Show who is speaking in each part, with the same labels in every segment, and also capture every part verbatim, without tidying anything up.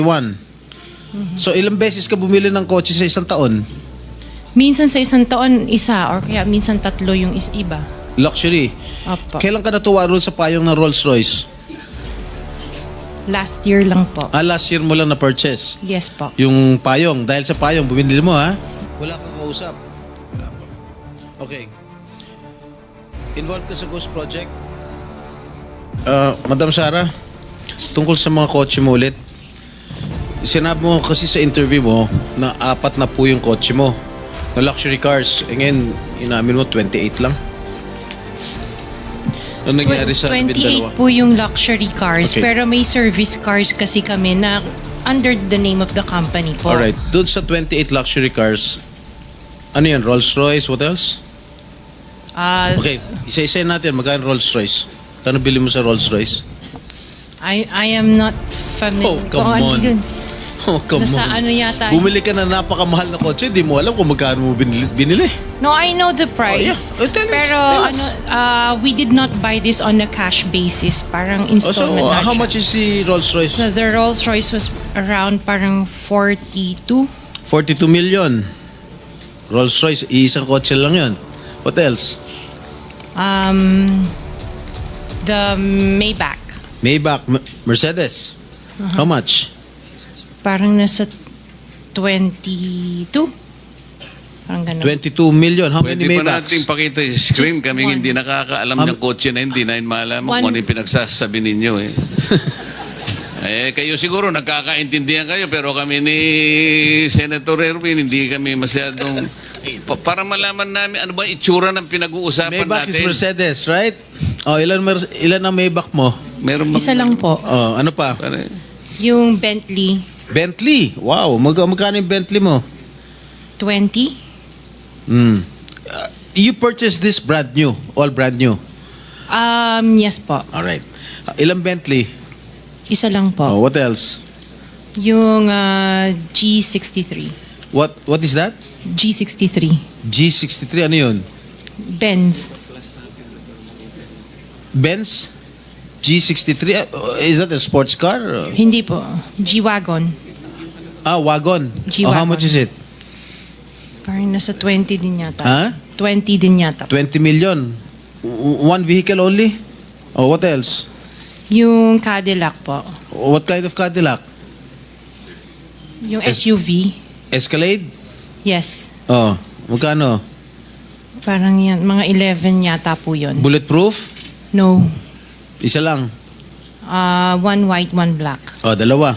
Speaker 1: One. So ilang beses ka bumili ng kotse sa isang taon?
Speaker 2: Minsan sa isang taon, isa, or kaya minsan tatlo yung is iba.
Speaker 1: Luxury.
Speaker 2: Opo.
Speaker 1: Kailan ka natuwa roon sa payong ng Rolls Royce?
Speaker 2: Last year lang po.
Speaker 1: Ah, last year mo lang na-purchase.
Speaker 2: Yes po.
Speaker 1: Yung payong. Dahil sa payong, bumili mo ha? Wala kang kausap. Wala po. Okay. Involved ka sa Ghost Project? Uh, Madam Sara, tungkol sa mga kotse mo ulit. Sinabi mo kasi sa interview mo na apat na po yung kotse mo na luxury cars. E ngayon, inamin mo twenty-eight lang. Ano nangyari sa
Speaker 2: twenty-eight
Speaker 1: dalawa?
Speaker 2: po yung luxury cars,
Speaker 1: Okay.
Speaker 2: pero may service cars kasi kami na under the name of the company po.
Speaker 1: Alright. Doon sa twenty-eight luxury cars, ano yan? Rolls Royce? What else?
Speaker 2: Ah,
Speaker 1: Okay. Isa-isa natin. Magkano Rolls Royce? Kano bili mo sa Rolls Royce?
Speaker 2: I I am not
Speaker 1: Oh,
Speaker 2: familiar.
Speaker 1: come
Speaker 2: kung ano
Speaker 1: on.
Speaker 2: yun.
Speaker 1: Oh, come
Speaker 2: Nasa
Speaker 1: on.
Speaker 2: ano yata.
Speaker 1: Bumili ka na napakamahal na kotse, di mo alam kung magkano mo binili. binili.
Speaker 2: No, I know the price.
Speaker 1: Oh, yeah. Oh, tell us,
Speaker 2: Pero
Speaker 1: tell us.
Speaker 2: ano, uh, we did not buy this on a cash basis. Parang
Speaker 1: Oh, so,
Speaker 2: installment
Speaker 1: uh,
Speaker 2: na
Speaker 1: how
Speaker 2: siya.
Speaker 1: much is the Rolls Royce?
Speaker 2: So the Rolls Royce was around parang forty-two.
Speaker 1: forty-two million. Rolls Royce, isang kotse lang yun. What else?
Speaker 2: Um, the Maybach.
Speaker 1: Maybach, M- Mercedes.
Speaker 2: Uh-huh.
Speaker 1: How much?
Speaker 2: Parang nasa twenty-two. Parang ganun.
Speaker 1: twenty-two million. How
Speaker 3: Pwede
Speaker 1: many
Speaker 3: pa
Speaker 1: Maybachs?
Speaker 3: natin pakita yung screen.
Speaker 2: Just
Speaker 3: Kaming
Speaker 2: one.
Speaker 3: hindi nakakaalam
Speaker 1: Um,
Speaker 3: ng kotse na hindi na malaman
Speaker 2: One.
Speaker 3: kung ano yung pinagsasabi ninyo eh. eh, kayo siguro nagkakaintindihan kayo pero kami ni Senator Erwin hindi kami masyadong pa- para malaman namin ano ba itsura ng pinag-uusapan
Speaker 1: Maybach is
Speaker 3: natin.
Speaker 1: Mercedes, right? Oh, ilan mer- ilan ang Maybach mo?
Speaker 3: Meron bang-
Speaker 2: Isa lang po.
Speaker 1: Oh, ano pa?
Speaker 3: Pare,
Speaker 2: Yung Bentley,
Speaker 1: Bentley. Wow, mag magkano yung Bentley mo?
Speaker 2: twenty.
Speaker 1: Mm. Uh, you purchased this brand new, all brand new.
Speaker 2: Um, yes po.
Speaker 1: All right. Uh, ilang Bentley?
Speaker 2: Isa lang po.
Speaker 1: Oh, what else?
Speaker 2: Yung uh, G sixty-three.
Speaker 1: What what is that?
Speaker 2: G sixty-three.
Speaker 1: G sixty-three ano 'yun?
Speaker 2: Benz.
Speaker 1: Benz G sixty-three. Uh, is that a sports car? Uh,
Speaker 2: Hindi po. G-Wagon.
Speaker 1: ah, wagon.
Speaker 2: G-Wagon.
Speaker 1: Oh, how much is it?
Speaker 2: Parang nasa twenty din yata.
Speaker 1: Ha?
Speaker 2: twenty din yata.
Speaker 1: twenty million. W- One vehicle only? Oh, what else?
Speaker 2: Yung Cadillac po.
Speaker 1: What kind of Cadillac?
Speaker 2: Yung
Speaker 1: Es-
Speaker 2: S U V.
Speaker 1: Escalade?
Speaker 2: Yes.
Speaker 1: Oh, magkano?
Speaker 2: Parang yan. Mga eleven yata po yun.
Speaker 1: Bulletproof?
Speaker 2: No.
Speaker 1: Isa lang.
Speaker 2: Uh, one white, one black.
Speaker 1: Oh, dalawa.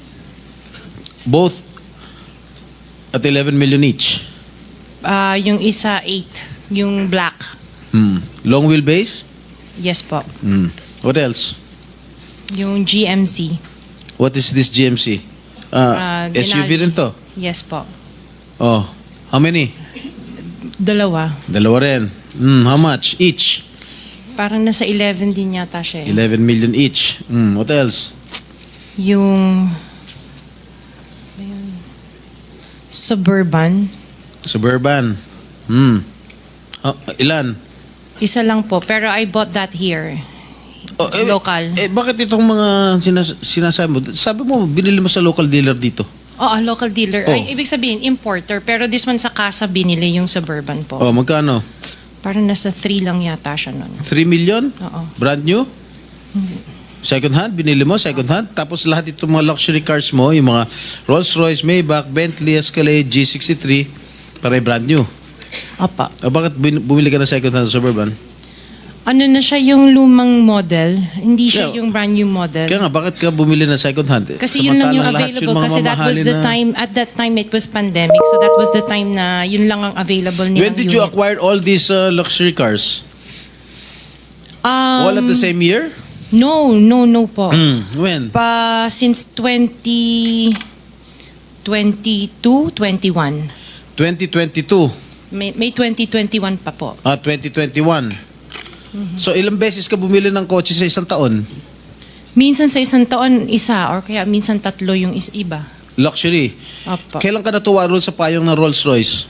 Speaker 1: Both at eleven million each.
Speaker 2: Uh, yung isa, eight. Yung black.
Speaker 1: Hmm. Long wheelbase?
Speaker 2: Yes po.
Speaker 1: Hmm. What else?
Speaker 2: Yung G M C.
Speaker 1: What is this G M C? Ah,
Speaker 2: Ah,
Speaker 1: S U V
Speaker 2: Denali.
Speaker 1: rin to.
Speaker 2: Yes po.
Speaker 1: Oh, how many?
Speaker 2: Dalawa.
Speaker 1: Dalawa rin. Hmm, how much each?
Speaker 2: Parang nasa eleven din yata siya eh.
Speaker 1: eleven million each. Hmm, what else?
Speaker 2: Yung ayun, Suburban.
Speaker 1: Suburban. Hmm. Ah, ilan?
Speaker 2: Isa lang po. Pero I bought that here.
Speaker 1: Oh, eh,
Speaker 2: Local.
Speaker 1: Eh, bakit itong mga sinas- sinasabi mo? Sabi mo, binili mo sa local dealer dito.
Speaker 2: Oo, local dealer.
Speaker 1: Oh.
Speaker 2: Ay, ibig sabihin, importer. Pero this one sa casa binili yung Suburban po.
Speaker 1: Oh, magkano?
Speaker 2: Parang nasa three lang yata siya nun.
Speaker 1: three million?
Speaker 2: Oo.
Speaker 1: Brand new? Second hand? Binili mo? Second hand? Tapos lahat itong mga luxury cars mo, yung mga Rolls Royce, Maybach, Bentley, Escalade, G sixty-three, para brand new.
Speaker 2: Opa.
Speaker 1: O bakit bin- bumili ka ng second hand Suburban?
Speaker 2: Ano na siya yung lumang model? Hindi siya
Speaker 1: Yeah.
Speaker 2: yung brand new model.
Speaker 1: Kaya nga, bakit ka bumili ng second hand?
Speaker 2: Kasi yun lang yung
Speaker 1: Samantalang lahat
Speaker 2: available.
Speaker 1: mga
Speaker 2: Kasi that was
Speaker 1: mamahalin
Speaker 2: the
Speaker 1: na-
Speaker 2: time, at that time it was pandemic. So that was the time na yun lang ang available nilang
Speaker 1: When did you
Speaker 2: unit.
Speaker 1: acquire all these uh, luxury cars?
Speaker 2: Um,
Speaker 1: all at the same year?
Speaker 2: No, no, no po.
Speaker 1: Hmm, when?
Speaker 2: Pa, since twenty twenty-two, twenty-one.
Speaker 1: twenty twenty-two.
Speaker 2: May, may twenty twenty-one pa po.
Speaker 1: Ah, twenty twenty-one.
Speaker 2: Mm-hmm.
Speaker 1: So, ilang beses ka bumili ng kotse sa isang taon?
Speaker 2: Minsan sa isang taon, isa, or kaya minsan tatlo yung is iba.
Speaker 1: Luxury.
Speaker 2: Opo.
Speaker 1: Kailan ka natuwa roon sa payong ng Rolls Royce?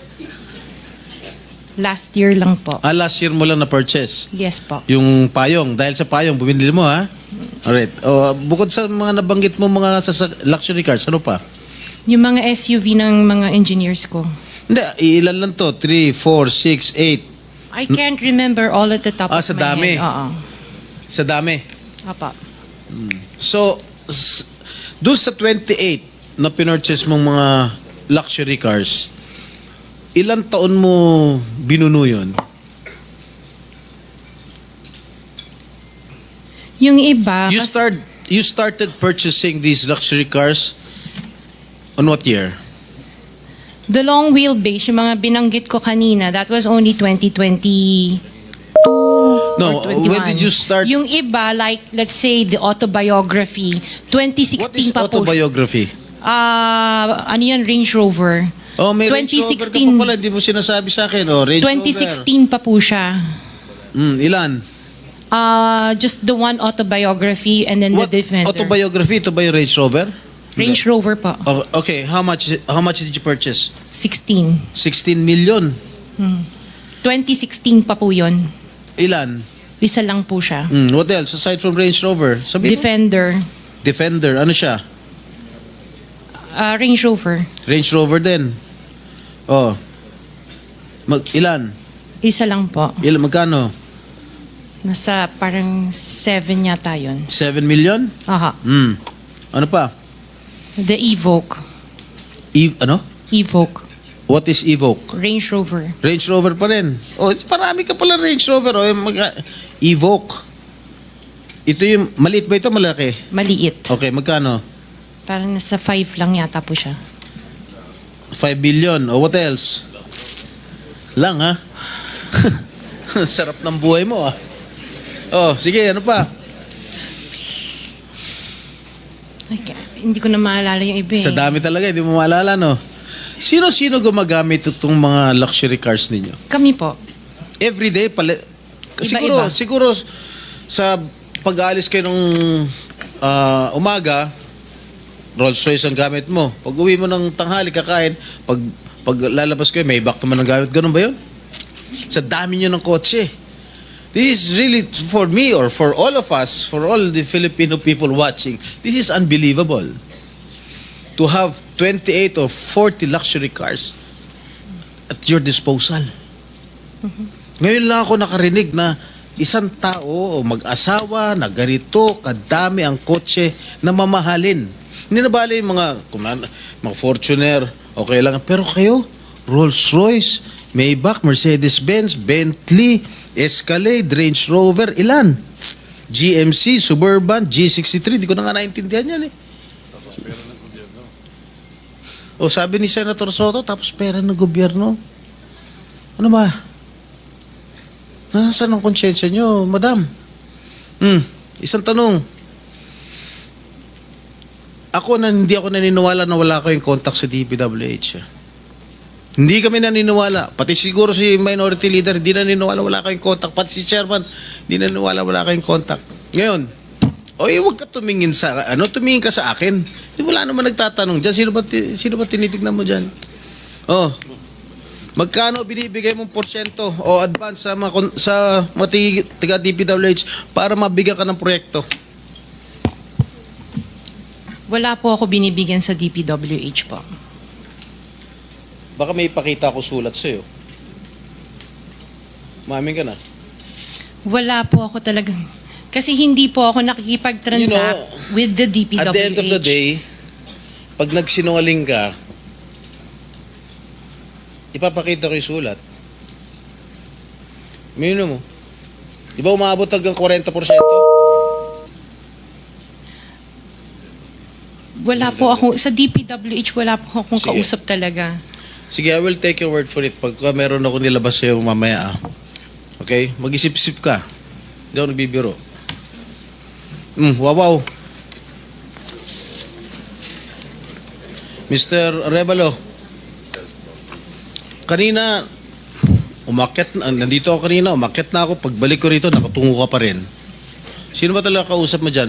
Speaker 2: Last year lang po.
Speaker 1: Ah, last year mo lang na-purchase.
Speaker 2: Yes po.
Speaker 1: Yung payong. Dahil sa payong, bumili mo ha? Alright. Oh, bukod sa mga nabanggit mo mga sa luxury cars, ano pa?
Speaker 2: Yung mga S U V ng mga engineers ko.
Speaker 1: Hindi, ilan lang to? three, four, six, eight.
Speaker 2: I can't remember all at the top
Speaker 1: Ah,
Speaker 2: of
Speaker 1: sa
Speaker 2: my
Speaker 1: dami.
Speaker 2: head. Oo.
Speaker 1: Sa dami.
Speaker 2: Apa.
Speaker 1: So, s- doon sa twenty-eight na pinurchase mong mga luxury cars, ilan taon mo binuno yun?
Speaker 2: Yung iba,
Speaker 1: You
Speaker 2: kas-
Speaker 1: start you started purchasing these luxury cars on what year?
Speaker 2: the long wheelbase, yung mga binanggit ko kanina, that was only twenty twenty-two
Speaker 1: No,
Speaker 2: or twenty-one.
Speaker 1: when did you start-
Speaker 2: Yung iba, like, let's say, the autobiography, twenty
Speaker 1: What is
Speaker 2: sixteen pa po.
Speaker 1: autobiography?
Speaker 2: Ah, ano yan, Range Rover.
Speaker 1: Oh, may Range Rover ka pa pala, hindi mo sinasabi sa akin. Oh, Range
Speaker 2: twenty sixteen pa po siya.
Speaker 1: Rover. Mm, ilan?
Speaker 2: Ah, just the one autobiography and then
Speaker 1: What
Speaker 2: the Defender.
Speaker 1: autobiography? Ito ba yung Range Rover?
Speaker 2: Range Rover pa.
Speaker 1: Oh, okay, how much how much did you purchase?
Speaker 2: sixteen.
Speaker 1: sixteen million.
Speaker 2: twenty sixteen pa po yun.
Speaker 1: Ilan?
Speaker 2: Isa lang po siya.
Speaker 1: Mm, what else aside from Range Rover? Sabi mo?
Speaker 2: Defender.
Speaker 1: Defender, ano siya?
Speaker 2: Ah, Range Rover.
Speaker 1: Range Rover din. Oh. Mag ilan?
Speaker 2: Isa lang po.
Speaker 1: Ilan magkano?
Speaker 2: Nasa parang seven yata yun.
Speaker 1: seven million?
Speaker 2: Aha.
Speaker 1: Hmm. Ano pa?
Speaker 2: The Evoque.
Speaker 1: E ano?
Speaker 2: Evoque.
Speaker 1: What is Evoque?
Speaker 2: Range Rover.
Speaker 1: Range Rover pa rin. Oh, it's marami ka pala Range Rover. Oh, yung mag- Evoque. Ito yung, maliit ba ito? Malaki?
Speaker 2: Maliit.
Speaker 1: Okay, magkano?
Speaker 2: Parang nasa five lang yata po siya.
Speaker 1: five billion. Oh, what else? Lang, ha? Sarap ng buhay mo, ah. Oh, sige, ano pa?
Speaker 2: Ay, ka- hindi ko na maalala yung iba eh.
Speaker 1: Sa dami talaga, hindi mo maalala, no? Sino-sino gumagamit itong mga luxury cars ninyo?
Speaker 2: Kami po.
Speaker 1: Everyday, pala... Siguro,
Speaker 2: Iba-iba.
Speaker 1: siguro sa pag-aalis kayo nung ah, umaga, Rolls Royce ang gamit mo. Pag uwi mo ng tanghali, kakain, pag, pag lalabas kayo, may back naman ang gamit. Ganun ba yun? Sa dami nyo ng kotse. This is really, for me or for all of us, for all the Filipino people watching, this is unbelievable. To have twenty-eight or forty luxury cars at your disposal. Ngayon lang ako nakarinig na isang tao o mag-asawa na ganito kadami ang kotse na mamahalin. Hindi na bali yung mga, kuman- mga Fortuner, okay lang. Pero kayo, Rolls-Royce, Maybach, Mercedes-Benz, Bentley, Escalade, Range Rover, ilan? G M C, Suburban, G sixty-three, di ko na nga naintindihan yan eh. O sabi ni Senator Soto, tapos pera ng gobyerno. Ano ba? Nasaan ang konsyensya nyo, madam? Hmm, isang tanong. Ako na hindi ako naniniwala na wala kayong contact sa D P W H. Hindi kami naniniwala. Pati siguro si minority leader, hindi naniniwala wala kayong contact. Pati si chairman, hindi naniniwala wala kayong contact. Ngayon, oy, huwag ka tumingin sa, ano, tumingin ka sa akin. Di wala naman nagtatanong dyan. Sino ba, ti- sino ba tinitignan mo dyan? Oh, magkano binibigay mong porsyento o advance sa mga, kon- sa mga tig- tiga D P W H para mabigyan ka ng proyekto?
Speaker 2: Wala po ako binibigyan sa D P W H po.
Speaker 1: Baka may ipakita ako sulat sa'yo. Mamin ka na.
Speaker 2: Wala po ako talagang... Kasi hindi po ako nakikipag-transact
Speaker 1: You know,
Speaker 2: with the D P W H.
Speaker 1: At the end of the day, pag nagsinungaling ka, ipapakita ko yung sulat. Mino mo. Di ba umabot hanggang forty percent?
Speaker 2: Wala po ako, sa D P W H wala po akong
Speaker 1: Sige.
Speaker 2: kausap talaga.
Speaker 1: Sige, I will take your word for it. Pagka meron ako nilabas sa'yo mamaya, ah. Okay? Mag-isip-isip ka. Hindi ako nagbibiro. Hmm, wow, wow. Mister Arevalo, kanina, umakyat na, nandito ako kanina, umakyat na ako, pagbalik ko rito, nakatungo ka pa rin. Sino ba talaga kausap mo dyan?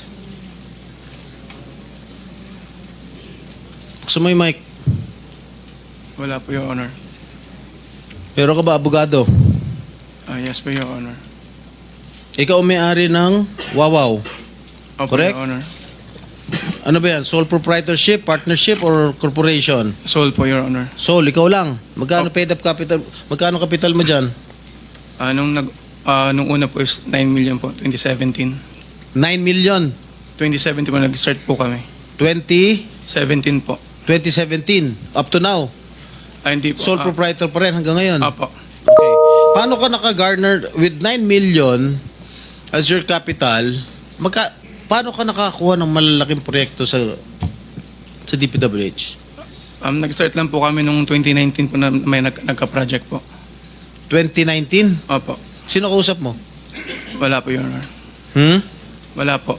Speaker 1: Gusto mo yung mic?
Speaker 4: Wala po, Your Honor.
Speaker 1: Pero ka ba abogado?
Speaker 4: Ah, yes po, Your Honor.
Speaker 1: Ikaw ang may-ari ng Wawaw.
Speaker 4: Opo,
Speaker 1: Correct?
Speaker 4: Your Honor.
Speaker 1: Ano ba yan? Sole proprietorship, partnership, or corporation?
Speaker 4: Sold po, Your Honor.
Speaker 1: Sole, ikaw lang. Magkano
Speaker 4: Oh.
Speaker 1: paid up capital? Magkano capital mo dyan?
Speaker 4: Ah, nung, nag, ah, nung una po is nine million po, twenty seventeen.
Speaker 1: nine million.
Speaker 4: twenty seventeen po, nag-start po kami.
Speaker 1: twenty,
Speaker 4: seventeen po.
Speaker 1: twenty seventeen. Up to now.
Speaker 4: Ah, hindi po.
Speaker 1: Sole
Speaker 4: ah,
Speaker 1: proprietor pa rin hanggang ngayon.
Speaker 4: Apo.
Speaker 1: Okay. Paano ka naka-garner with nine million as your capital? Magka, paano ka nakakuha ng malalaking proyekto sa sa D P W H?
Speaker 4: Um, nag-start lang po kami nung twenty nineteen po na may nag, nagka-project po.
Speaker 1: twenty nineteen?
Speaker 4: Opo.
Speaker 1: Sino kausap mo?
Speaker 4: Wala po, Your Honor.
Speaker 1: Hmm?
Speaker 4: Wala po.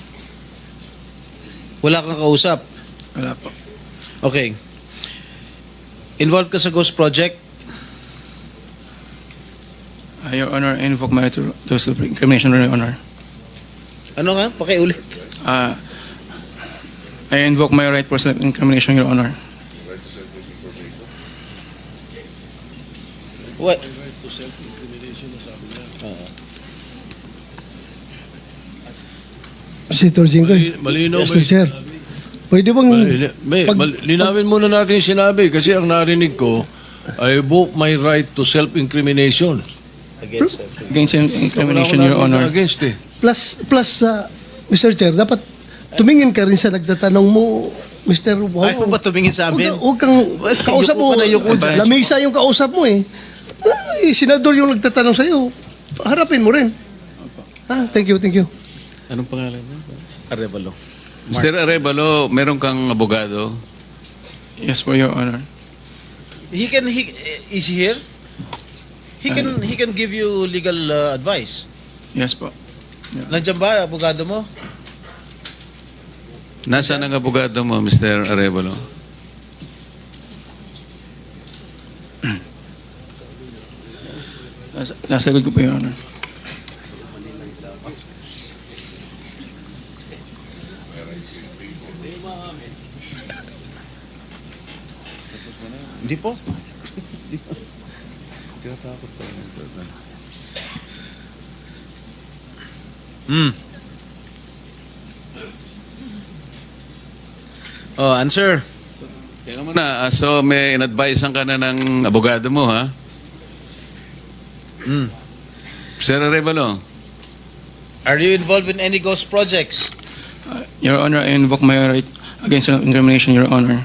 Speaker 1: Wala kang kausap.
Speaker 4: Wala po.
Speaker 1: Okay. Involved ka sa Ghost Project?
Speaker 4: Ah, Your Honor, I invoke my right to, to self-incrimination, Your Honor.
Speaker 1: Ano nga? Pakiulit.
Speaker 4: Ah, I invoke my right for self-incrimination, Your Honor.
Speaker 1: What?
Speaker 5: Senator Jinggoy.
Speaker 6: Malinaw ba
Speaker 5: Mister
Speaker 6: yung
Speaker 5: Chair. Pwede bang...
Speaker 6: Malina- may,
Speaker 5: pag-
Speaker 6: mal- linawin muna natin yung sinabi kasi ang narinig ko, I invoke my right to self-incrimination.
Speaker 1: Against
Speaker 4: Against incrimination,
Speaker 6: Wala
Speaker 4: Your
Speaker 6: akong
Speaker 4: Honor.
Speaker 6: against eh.
Speaker 5: Plus, plus uh, Mister Chair, dapat tumingin ka rin sa nagtatanong mo, Mister Wow.
Speaker 1: Ayaw mo ba tumingin sa amin?
Speaker 5: Huwag ka- huwag kang kausap
Speaker 1: Yuko
Speaker 5: mo.
Speaker 1: ka na, yuko
Speaker 4: dyan.
Speaker 5: Lamesa yung kausap mo eh. Ay, senador yung nagtatanong sa'yo. Harapin mo rin. Ha? Thank you, thank you.
Speaker 1: Anong pangalan mo? Arevalo.
Speaker 3: Mister Arevalo, meron kang abogado?
Speaker 4: Yes po, Your Honor.
Speaker 1: He can, he, is he here? He can, he can give you legal uh, advice.
Speaker 4: Yes po.
Speaker 1: Nandiyan ba, abogado mo?
Speaker 3: Nasaan ang abogado mo, Mister Arevalo?
Speaker 4: Nasa, nasa likod ko po, Your Honor.
Speaker 1: Hindi po. Hindi po. Tinatakot pa, Mister Dan. Hmm. Oh, answer.
Speaker 3: Teka muna, ah, so may in-advisean ka na ng abogado mo, ha?
Speaker 1: Hmm.
Speaker 3: Mister Arevalo,
Speaker 1: Are you involved in any ghost projects?
Speaker 4: Uh, Your Honor, I invoke my right against self-incrimination, Your Honor.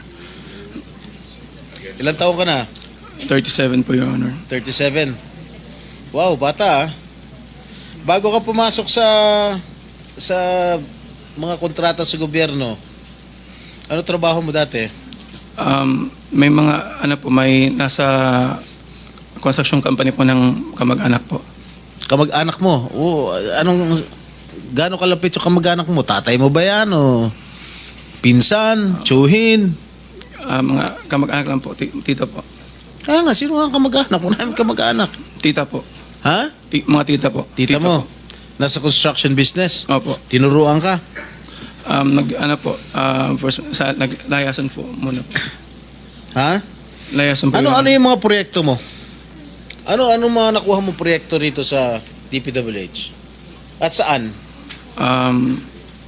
Speaker 1: Ilang taon ka na?
Speaker 4: thirty-seven po, Your Honor.
Speaker 1: thirty-seven. Wow, bata ah. Bago ka pumasok sa sa mga kontrata sa gobyerno, ano trabaho mo dati?
Speaker 4: Um, may mga, ano po, may nasa construction company po ng kamag-anak po.
Speaker 1: Kamag-anak mo? Oo, anong, gaano kalapit yung kamag-anak mo? Tatay mo ba yan? O pinsan? Tsuhin?
Speaker 4: Ah, mga kamag-anak lang po, ti- tita po.
Speaker 1: Ah nga, sino nga ang kamag-anak? Wala namin kamag-anak.
Speaker 4: Tita po.
Speaker 1: Ha?
Speaker 4: Ti- mga tita po.
Speaker 1: Tita, mo?
Speaker 4: po.
Speaker 1: Nasa construction business?
Speaker 4: Opo.
Speaker 1: Tinuruan ka?
Speaker 4: Um, nag, ano po, um, first, sa, naglayasan po muna po.
Speaker 1: Ha?
Speaker 4: Layasan po.
Speaker 1: Ano
Speaker 4: Your
Speaker 1: ano
Speaker 4: Honor.
Speaker 1: yung mga proyekto mo? Ano ano mga nakuha mo proyekto rito sa D P W H? At saan?
Speaker 4: Um,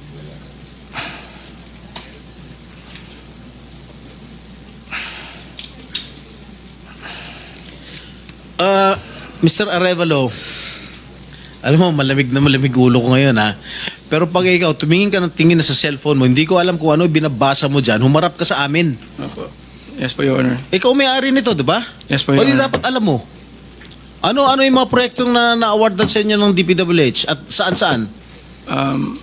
Speaker 1: Uh, Mister Arevalo, alam mo, malamig na malamig ulo ko ngayon ha. Pero pag ikaw, tumingin ka ng tingin na sa cellphone mo, hindi ko alam kung ano binabasa mo dyan, humarap ka sa amin.
Speaker 4: opo. Yes po, Your Honor.
Speaker 1: Ikaw may-ari nito, di ba?
Speaker 4: Yes po,
Speaker 1: O
Speaker 4: Your
Speaker 1: di
Speaker 4: Honor.
Speaker 1: dapat alam mo. Ano ano yung mga proyektong na na-awardan sa inyo ng D P W H? At saan-saan?
Speaker 4: Um,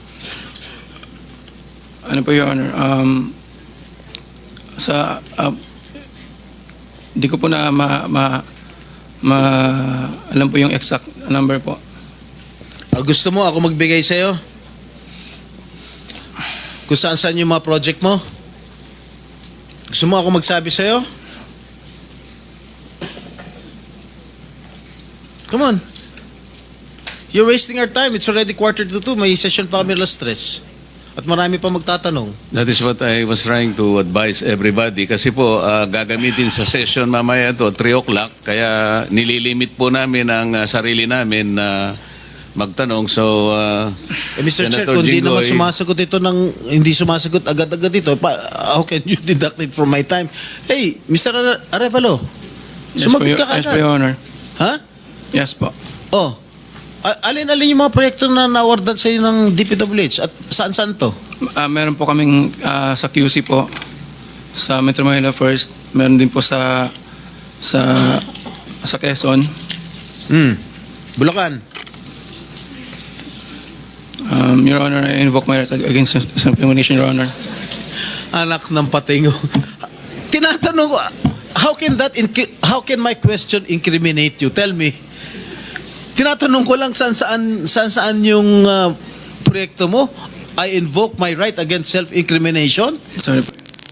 Speaker 4: ano po, Your Honor? Um, sa, uh, hindi ko po na ma, ma, ma, alam po yung exact number po.
Speaker 1: Ah, gusto mo ako magbigay sa'yo? Kung saan-saan yung mga project mo? Gusto mo ako magsabi sa'yo? Come on. You're wasting our time. It's already quarter to two. May session pa kami alas stress. At marami pa magtatanong.
Speaker 3: that is what I was trying to advise everybody. Kasi po, ah, gagamitin sa session mamaya to three o'clock. Kaya nililimit po namin ang ah, sarili namin na magtanong. So, uh,
Speaker 1: Eh, Mister Chair,
Speaker 3: Senator
Speaker 1: kung di naman
Speaker 3: Jinggoy-
Speaker 1: sumasagot ito ng, hindi sumasagot agad-agad ito, pa, how can you deduct it from my time? Hey, Mister Are- Arevalo,
Speaker 4: Yes po,
Speaker 1: sumagot
Speaker 4: Your-
Speaker 1: ka
Speaker 4: yes po,
Speaker 1: agad.
Speaker 4: Your Honor.
Speaker 1: Ha?
Speaker 4: Yes po.
Speaker 1: Oh, a- alin-alin yung mga proyekto na na-awardan sa ng D P W H at saan-saan to?
Speaker 4: Ah, meron po kaming ah, sa Q C po, sa Metro Manila First. Meron din po sa sa sa Quezon.
Speaker 1: Hmm. Bulacan.
Speaker 4: Um, Your Honor, I invoke my right against self-incrimination, Your Honor.
Speaker 1: Anak ng patingo. Tinatanong ko, how can that, inc- how can my question incriminate you? Tell me. Tinatanong ko lang saan saan, saan, saan yung uh, proyekto mo. I invoke my right against self-incrimination?
Speaker 4: Sorry po.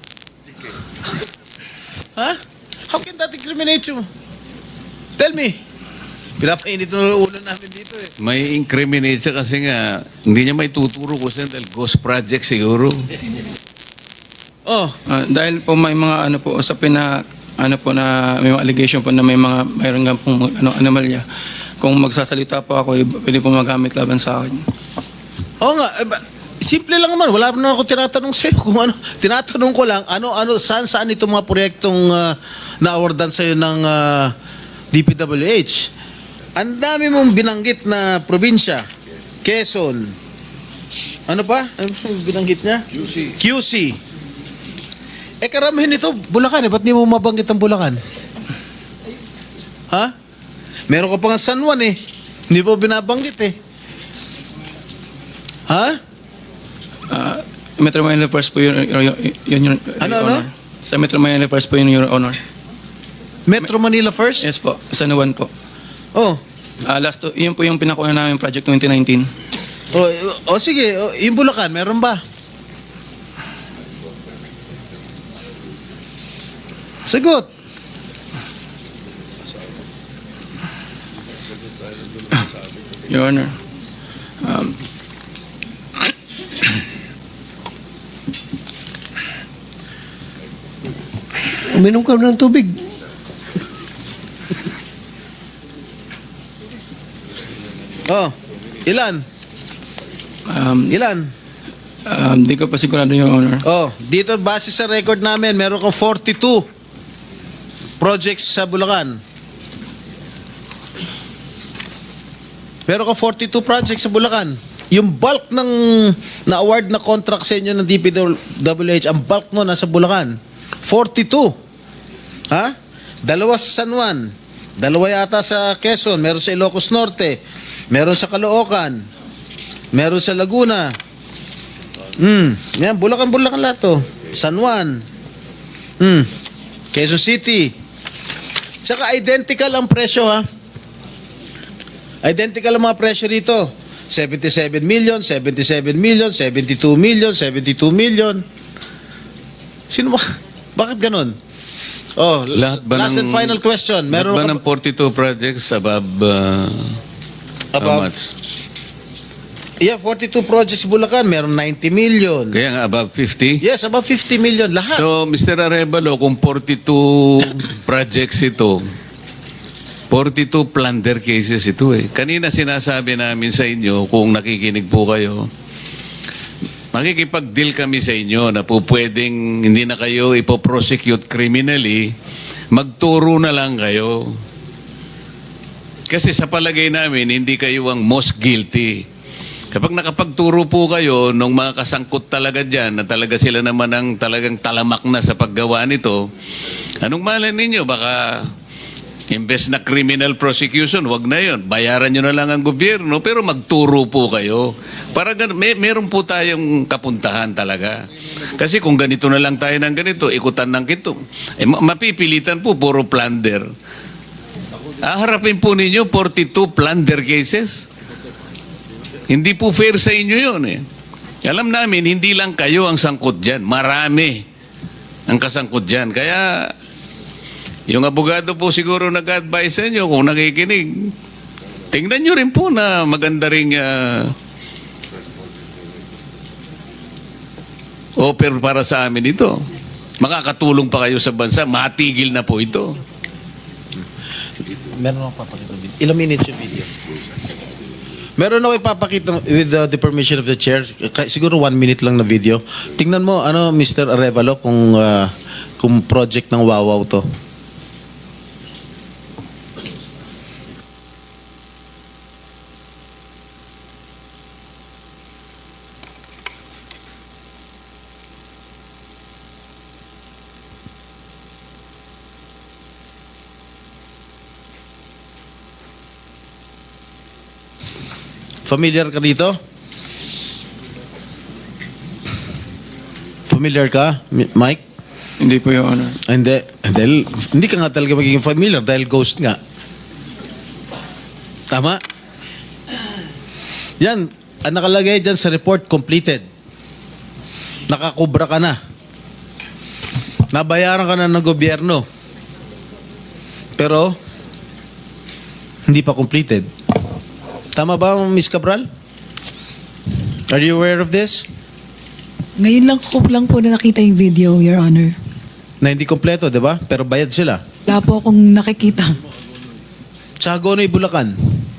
Speaker 1: Ha? How can that incriminate you? Tell me. Pinapainit ng ulo namin dito eh.
Speaker 3: may incriminate siya kasi nga, hindi niya may tuturo ko siya dahil ghost project siguro.
Speaker 1: Oh,
Speaker 4: Ah, dahil po may mga ano po usapin na ano po na may mga allegation po na may mga mayroon nga pong ano anomalya. Kung magsasalita po ako, eh, pwede po magamit laban sa akin.
Speaker 1: oo nga. Eh, ba- simple lang naman. Wala na ako tinatanong sa'yo kung ano. Tinatanong ko lang, ano, ano, saan, saan itong mga proyektong uh, na-awardan sa'yo ng uh, D P W H. Ang dami mong binanggit na probinsya. Quezon. Ano pa? Ano pa yung binanggit niya? Q C. Q C. Eh karamihan ito, Bulacan eh. Ba't di mo mabanggit ang Bulacan? Ha? Meron ka pa nga San Juan eh. Hindi mo binabanggit eh. Ha?
Speaker 4: Ah, Metro Manila First po yun, yun, yun, yun,
Speaker 1: Ano,
Speaker 4: Your
Speaker 1: ano?
Speaker 4: Honor. Sa Metro Manila First po yun, Your Honor.
Speaker 1: Metro Manila first?
Speaker 4: Yes po, San Juan po.
Speaker 1: Oh.
Speaker 4: Ah, last to, yun po yung pinakuha namin project twenty nineteen.
Speaker 1: Oh, oh sige, oh, yung Bulacan, meron ba? Sagot.
Speaker 4: Your Honor. Um,
Speaker 5: Uminom ka ng tubig.
Speaker 1: Oh. Ilan?
Speaker 4: um,
Speaker 1: Ilan?
Speaker 4: um, di ko pa sigurado, Your Honor.
Speaker 1: Oh, dito base sa record namin, meron kang forty-two projects sa Bulacan. Meron kang forty-two projects sa Bulacan. Yung bulk ng na-award na contract sa inyo ng D P W H, ang bulk mo nasa Bulacan. forty-two. Ha? Dalawa sa San Juan. Dalawa yata sa Quezon. Meron sa Ilocos Norte. Meron sa Caloocan. Meron sa Laguna. Hmm. Yan, Bulacan-Bulacan lahat to. San Juan. Hmm. Quezon City. Tsaka identical ang presyo ha. Identical ang mga presyo dito. seventy-seven million, seventy-seven million, seventy-two million, seventy-two million. Sino ba? Bakit ganun? Oh,
Speaker 3: Lahat ba
Speaker 1: last
Speaker 3: ng,
Speaker 1: and final question.
Speaker 3: Lahat
Speaker 1: Meron
Speaker 3: ba
Speaker 1: ka
Speaker 3: ng forty-two projects above, uh, how
Speaker 1: Above?
Speaker 3: much?
Speaker 1: Yeah, forty-two projects sa Bulacan, meron ninety million.
Speaker 3: Kaya nga above fifty?
Speaker 1: Yes, about fifty million lahat.
Speaker 3: So, Mister Arevalo, kung forty-two projects ito, forty-two plunder cases ito eh. Kanina sinasabi namin sa inyo, kung nakikinig po kayo, makikipag-deal kami sa inyo na po pwedeng hindi na kayo ipoprosecute criminally, magturo na lang kayo. Kasi sa palagay namin, hindi kayo ang most guilty. Kapag nakapagturo po kayo ng mga kasangkot talaga dyan, na talaga sila naman ang talagang talamak na sa paggawa nito, anong malay ninyo? Baka imbes na criminal prosecution, wag na yon. Bayaran nyo na lang ang gobyerno, pero magturo po kayo. Para gan- may, meron po tayong kapuntahan talaga. Kasi kung ganito na lang tayo ng ganito, ikutan ng kito, eh, ma- mapipilitan po, puro plunder. Aharapin po ninyo forty-two plunder cases. Hindi po fair sa inyo yun eh. Alam namin, hindi lang kayo ang sangkot dyan. Marami ang kasangkot dyan. Kaya, yung abogado po siguro nag-advise sa inyo kung nakikinig. Tingnan nyo rin po na maganda rin uh, offer para sa amin ito. Makakatulong pa kayo sa bansa. Matigil na po ito.
Speaker 1: Meron akong papakita video. Ilang minutes yung video? Meron ako ipapakita with uh, the permission of the chair. Ka- Siguro one minute lang na video. Tingnan mo, ano, Mister Arevalo, kung, uh, kung project ng Wawaw to. Familiar ka dito? Familiar ka, Mi- Mike?
Speaker 4: Hindi po, Your Honor.
Speaker 1: Ah, Hindi. Dahil, hindi ka nga talaga magiging familiar dahil ghost nga. Tama? Yan. Ang nakalagay dyan sa report, completed. Nakakubra ka na. Nabayaran ka na ng gobyerno. Pero, hindi pa completed. Tama ba, Miss Cabral? Are you aware of this?
Speaker 7: Ngayon lang ko lang po na nakita yung video, Your Honor.
Speaker 1: Na hindi kompleto, di ba? Pero bayad sila.
Speaker 7: Wala po akong nakikita.
Speaker 1: Sa Hagonoy, Bulacan.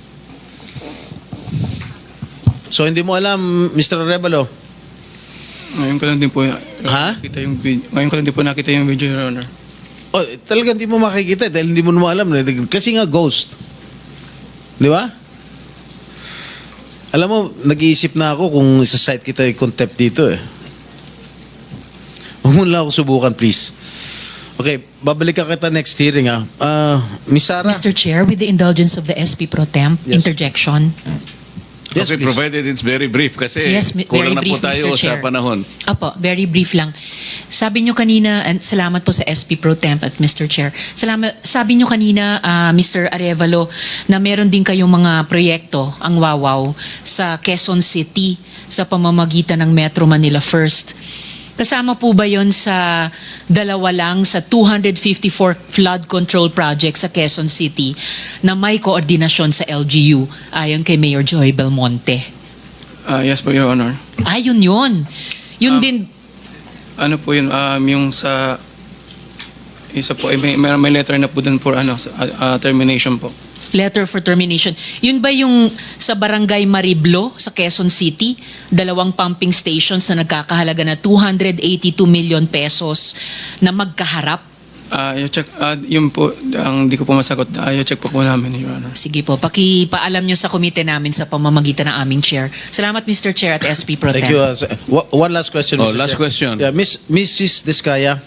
Speaker 1: So, hindi mo alam, Mister Arevalo.
Speaker 4: Ngayon ko lang din po
Speaker 1: Ha?
Speaker 4: nakita yung video. Ngayon ko lang din po nakita yung video, Your Honor.
Speaker 1: Oh, talagang hindi mo makikita dahil hindi mo naman alam. Kasi nga, ghost. Di ba? Alam mo, nag-iisip na ako kung isa-site kita yung contempt dito eh. Huwag mo lang ako subukan, please. Okay, babalik ka kita next hearing ah. Ah, Miss Sara?
Speaker 8: Mister Chair, with the indulgence of the S P Pro Temp,
Speaker 1: Yes.
Speaker 8: interjection.
Speaker 1: Yes,
Speaker 3: okay,
Speaker 1: please.
Speaker 3: provided it's very brief kasi
Speaker 8: Yes, mi-
Speaker 3: kulang na
Speaker 8: very
Speaker 3: po
Speaker 8: brief,
Speaker 3: tayo
Speaker 8: Mister
Speaker 3: sa
Speaker 8: Chair.
Speaker 3: panahon.
Speaker 8: Apo, very brief lang. Sabi nyo kanina, and salamat po sa S P Pro Temp at Mister Chair. Salamat, sabi nyo kanina, ah, Mister Arevalo, na meron din kayong mga proyekto, ang Wawaw, sa Quezon City sa pamamagitan ng Metro Manila First. Kasama po ba yon sa dalawa lang sa two hundred fifty-four flood control projects sa Quezon City na may koordinasyon sa L G U ayon kay Mayor Joy Belmonte?
Speaker 4: Ah, yes po, Your Honor.
Speaker 8: Ayun yun. Yun din,
Speaker 4: Ano po yun, um, yung sa isa po, eh, may, may may letter na po dun for ano, sa, ah, ah, termination po.
Speaker 8: letter for termination. Yun ba yung sa Barangay Mariblo sa Quezon City? Dalawang pumping stations na nagkakahalaga na two hundred eighty-two million pesos na magkaharap?
Speaker 4: Ah, uh, check, ah, yun po, ang di ko po masagot. Ah, check po po namin, Your Honor.
Speaker 8: Sige po, pakipaalam nyo sa komite namin sa pamamagitan ng aming chair. Salamat, Mister Chair at S P Pro Temp.
Speaker 1: Thank you. uh, sir. Wa- one last question,
Speaker 3: Oh,
Speaker 1: Mister
Speaker 3: last
Speaker 1: Chair.
Speaker 3: question.
Speaker 1: Yeah, Miss Missus Diskaya,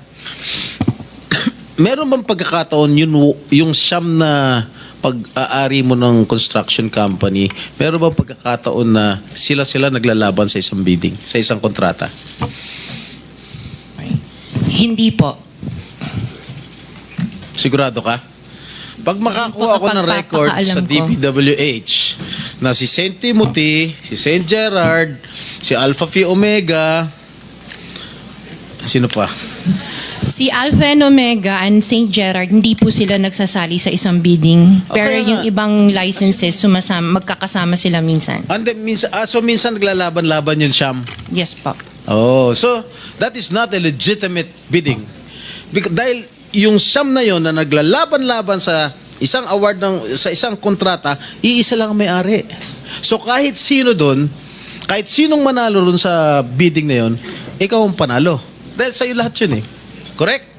Speaker 1: meron bang pagkakataon yun, yung siyam na pag-aari mo ng construction company, meron bang pagkakataon na sila-sila naglalaban sa isang bidding, sa isang kontrata?
Speaker 2: Hindi po.
Speaker 1: Sigurado ka? Pag makakuha ako ng record sa D P W H na si Saint Timothy, si Saint Gerard, si Alpha Phi Omega, sino pa?
Speaker 2: Si Alpha and Omega and Saint Gerard, hindi po sila nagsasali sa isang bidding. Pero
Speaker 1: Okay
Speaker 2: yung
Speaker 1: nga.
Speaker 2: ibang licenses, sumasama, magkakasama sila minsan.
Speaker 1: And then, minsan, ah, so minsan naglalaban-laban yun, Siyam.
Speaker 2: Yes po.
Speaker 1: Oh, so that is not a legitimate bidding. Because, dahil yung Siyam na yon na naglalaban-laban sa isang award ng sa isang kontrata, iisa lang ang may-ari. So kahit sino doon, kahit sinong manalo doon sa bidding na yon, ikaw ang panalo. Dahil sa'yo lahat yun eh. Correct?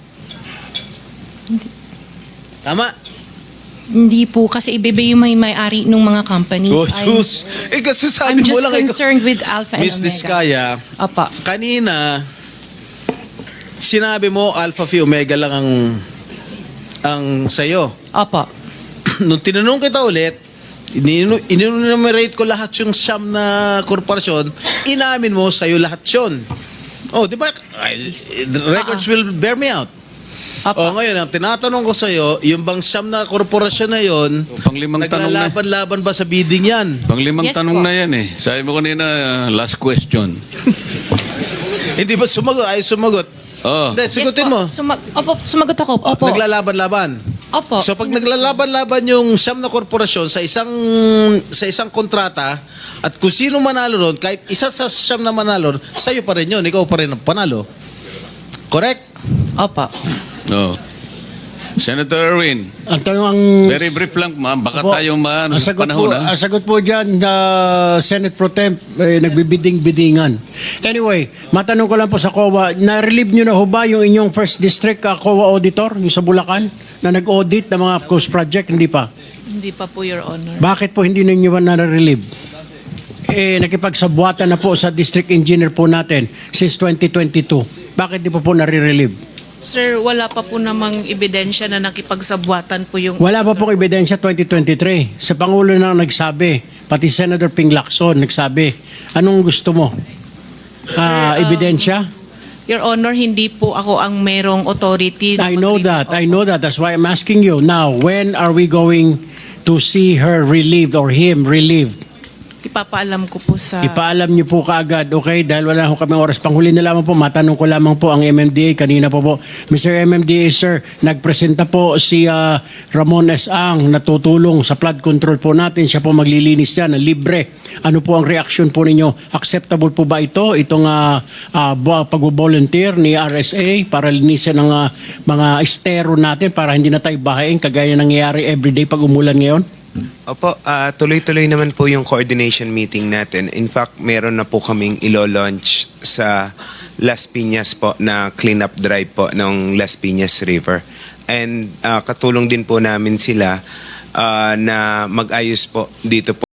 Speaker 1: Tama?
Speaker 2: Hindi po, kasi iba-iba yung may may-ari ng mga companies.
Speaker 1: Oh,
Speaker 2: I'm-
Speaker 1: sus. Eh, kasi
Speaker 2: I'm
Speaker 1: sabi mo
Speaker 2: just
Speaker 1: lang ikaw.
Speaker 2: concerned with Alpha and
Speaker 1: Miss
Speaker 2: Omega.
Speaker 1: Diskaya,
Speaker 2: Opo.
Speaker 1: kanina, sinabi mo Alpha Phi Omega lang ang ang sa'yo.
Speaker 2: Opo.
Speaker 1: Nung tinanong kita ulit, ininu- inunumerate ko lahat yung siyam na korporasyon, inamin mo sa'yo lahat yun. Oh, di ba? Ay, the records will bear me out.
Speaker 2: Opo.
Speaker 1: Oh, ngayon, ang tinatanong ko sa'yo, yung bang siyam na korporasyon na yon,
Speaker 3: Panglimang tanong na.
Speaker 1: naglalaban-laban ba sa bidding yan?
Speaker 3: Panglimang
Speaker 2: Yes
Speaker 3: tanong
Speaker 2: po.
Speaker 3: na yan eh. Sabi mo kanina, uh, last question.
Speaker 1: Hindi ba sumagot? Ay, sumagot.
Speaker 3: Oh.
Speaker 1: Hindi, sigutin
Speaker 2: Yes po.
Speaker 1: mo.
Speaker 2: Sumag- Opo, sumagot ako. Opo.
Speaker 1: Naglalaban-laban.
Speaker 2: Opo.
Speaker 1: So pag
Speaker 2: Sinagot-
Speaker 1: naglalaban-laban yung siyam na korporasyon sa isang sa isang kontrata at kung sino manalo ron, kahit isa sa siyam na manalo, sa'yo pa rin yun. Ikaw pa rin ang panalo. Correct?
Speaker 2: Opo.
Speaker 3: Oh. Senator Erwin,
Speaker 9: Ang tanong ang...
Speaker 3: very brief lang, ma'am. Baka
Speaker 9: Po,
Speaker 3: tayong ma-
Speaker 9: ang sagot
Speaker 3: panahon,
Speaker 9: po,
Speaker 3: ha?
Speaker 9: ang sagot po dyan, na Senate Pro Temp, eh, nagbibiding-bidingan. Anyway, matanong ko lang po sa C O A, na-relieve nyo na ho ba yung inyong first district uh, C O A auditor, yung sa Bulacan, na nag-audit ng mga coast project? Hindi pa.
Speaker 2: Hindi pa po, Your Honor.
Speaker 9: Bakit po hindi ninyo ba na-relieve? Eh, nakipagsabwatan na po sa district engineer po natin since twenty twenty-two. Bakit di po po nare-relieve?
Speaker 10: Sir, wala pa po namang ebidensya na nakipagsabwatan po yung...
Speaker 9: Wala pa pong ebidensya twenty twenty-three. Sa Pangulo na nagsabi, pati Senator Ping Lacson nagsabi, anong gusto mo? Ah,
Speaker 10: um,
Speaker 9: ebidensya?
Speaker 10: Your Honor, hindi po ako ang merong authority. na
Speaker 9: I know
Speaker 10: mag-relieve.
Speaker 9: that. I know that. That's why I'm asking you. Now, when are we going to see her relieved or him relieved?
Speaker 10: Ipapaalam ko po sa...
Speaker 9: Ipaalam niyo po kaagad, okay? Dahil wala ho kami oras. Panghuli na lamang po, matanong ko lamang po ang M M D A. Kanina po po, Mister M M D A, sir, nagpresenta po si ah, Ramon S. Ang natutulong sa flood control po natin. Siya po maglilinis dyan, na libre. Ano po ang reaction po ninyo? Acceptable po ba ito? Itong uh, uh, pag-volunteer ni R S A para linisin ng ah, mga estero natin para hindi na tayo bahayin kagaya nangyayari everyday pag umulan ngayon?
Speaker 11: Opo, ah, tuloy-tuloy naman po yung coordination meeting natin. In fact, meron na po kaming ilo-launch sa Las Piñas po na cleanup drive po ng Las Piñas River. And ah, katulong din po namin sila ah, na mag-ayos po dito po